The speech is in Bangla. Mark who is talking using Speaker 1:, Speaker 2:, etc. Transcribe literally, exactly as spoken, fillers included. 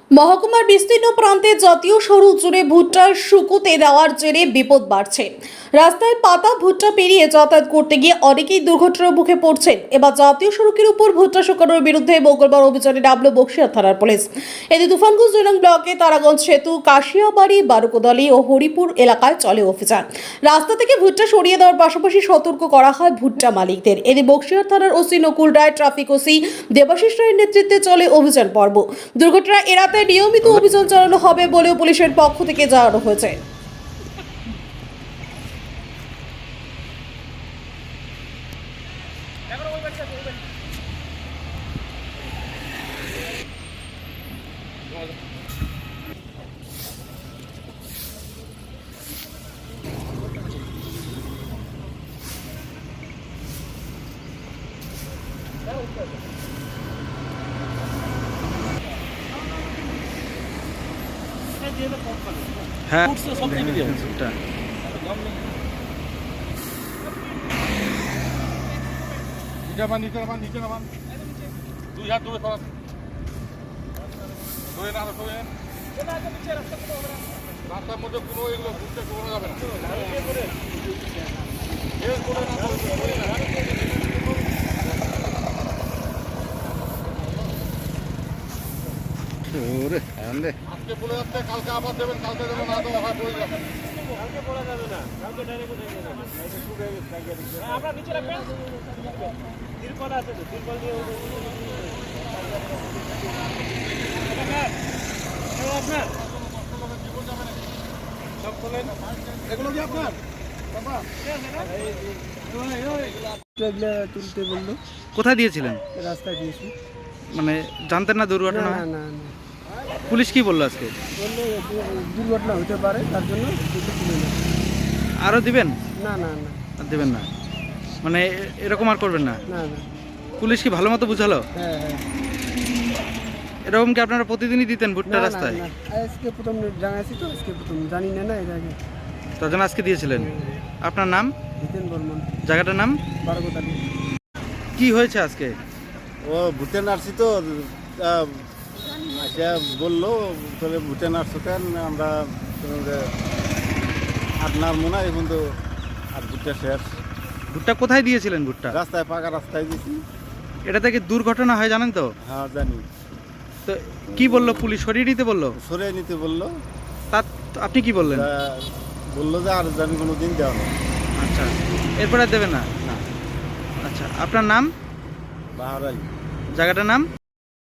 Speaker 1: মহকুমার বিস্তীর্ণ প্রান্তে জাতীয় সড়ক জুড়ে ভুট্টার শুকুতে দেওয়ার জেরে বিপদ বাড়ছে। রাস্তায় পাতা ভুট্টা পেরিয়ে যাতায়াত করতে গিয়ে অনেকেই দুর্ঘটনার মুখে পড়ছেন। এবার জাতীয় সড়কের উপর ভুট্টা শুকানোর বিরুদ্ধে মঙ্গলবার অভিযানে নামল বক্সিয়া থানার পুলিশ। এতে তুফানগঞ্জ দুই নং ব্লকে তারাগঞ্জ সেতু, কাশিয়াবাড়ি, বারুকোদালি ও হরিপুর এলাকায় চলে অভিযান। রাস্তা থেকে ভুট্টা সরিয়ে দেওয়ার পাশাপাশি সতর্ক করা হয় ভুট্টা মালিকদের। এতে বক্সিয়া থানার OC Nakul Roy, traffic OC Debashis রায়ের নেতৃত্বে চলে অভিযান পর্ব। দুর্ঘটনা এড়াতে নিয়মিত অভিযান চালানো হবে বলেও পুলিশের পক্ষ থেকে জানানো হয়েছে।
Speaker 2: হ্যাঁ
Speaker 3: নিচে নামান নিচে নামান দুই হাত দূরে সরান ধরে না ধরে রাস্তার মধ্যে কোনো এগুলো ঘুরতে করা যাবে না। আজকে বলে যাচ্ছে কালকে আবার দেবেন, কালকে দেবেন না দেওয়া হয় পড়ে যাবে। কালকে বলা যাবে না, কালকে ডাইরেক্ট আপনারা নিচে রাখবেন, তিরপল আছে তো, তিরপল দিয়ে আপনার সব খোলেন। এগুলো কি আপনার
Speaker 4: তুলতে বললো।
Speaker 2: কোথায় দিয়েছিলেন?
Speaker 4: রাস্তায় দিয়েছি।
Speaker 2: মানে জানতেন না দুর্ঘটনা?
Speaker 4: না
Speaker 2: হয়?
Speaker 4: না না
Speaker 2: পুলিশ কি বললো আজকে?
Speaker 4: বললো দুর্ঘটনা হতে পারে, তার জন্য তুলতে তুলে নেয়।
Speaker 2: আরও দিবেন?
Speaker 4: না না না
Speaker 2: আর দেবেন না, মানে এ- এরকম আর করবেন না?
Speaker 4: না না
Speaker 2: পুলিশ কি ভালো মতো বুঝালো?
Speaker 4: হ্যাঁ হ্যাঁ
Speaker 2: এরকম কি আপনারা প্রতিদিনই দিতেন
Speaker 4: না
Speaker 2: ভুট্টা
Speaker 4: না
Speaker 2: রাস্তায়?
Speaker 4: না আজকে প্রথম জানাইছি তো, আজকে প্রথম জানি না না এর আগে।
Speaker 2: তার জন্য আজকে দিয়েছিলেন। আপনার নাম?
Speaker 4: জিতেন বর্মন,
Speaker 2: জায়গাটার নাম
Speaker 4: বারোকোদালি।
Speaker 2: কি হয়েছে আজকে?
Speaker 5: ও ভুটে নার্সি তো সে বললো তাহলে ভুটে নার্সো কেন আমরা আর নামবো না, এখন তো আর ভুট্টা শেষ।
Speaker 2: ভুট্টা কোথায় দিয়েছিলেন ভুট্টা?
Speaker 5: রাস্তায় পাকা রাস্তায় দিছি।
Speaker 2: এটা থেকে দুর্ঘটনা হয় জানেন তো?
Speaker 5: হ্যাঁ জানি।
Speaker 2: তো কি বললো পুলিশ? সরিয়ে দিতে বললো?
Speaker 5: সরিয়ে নিতে বললো।
Speaker 2: তার আপনি কি বললেন?
Speaker 5: তা বললো যে আর জানি কোনো দিন দেওয়া নেই।
Speaker 2: আচ্ছা, এরপরে আর দেবে না?
Speaker 5: না
Speaker 2: আচ্ছা, আপনার নাম?
Speaker 5: বাহারাই।
Speaker 2: জায়গাটার নাম?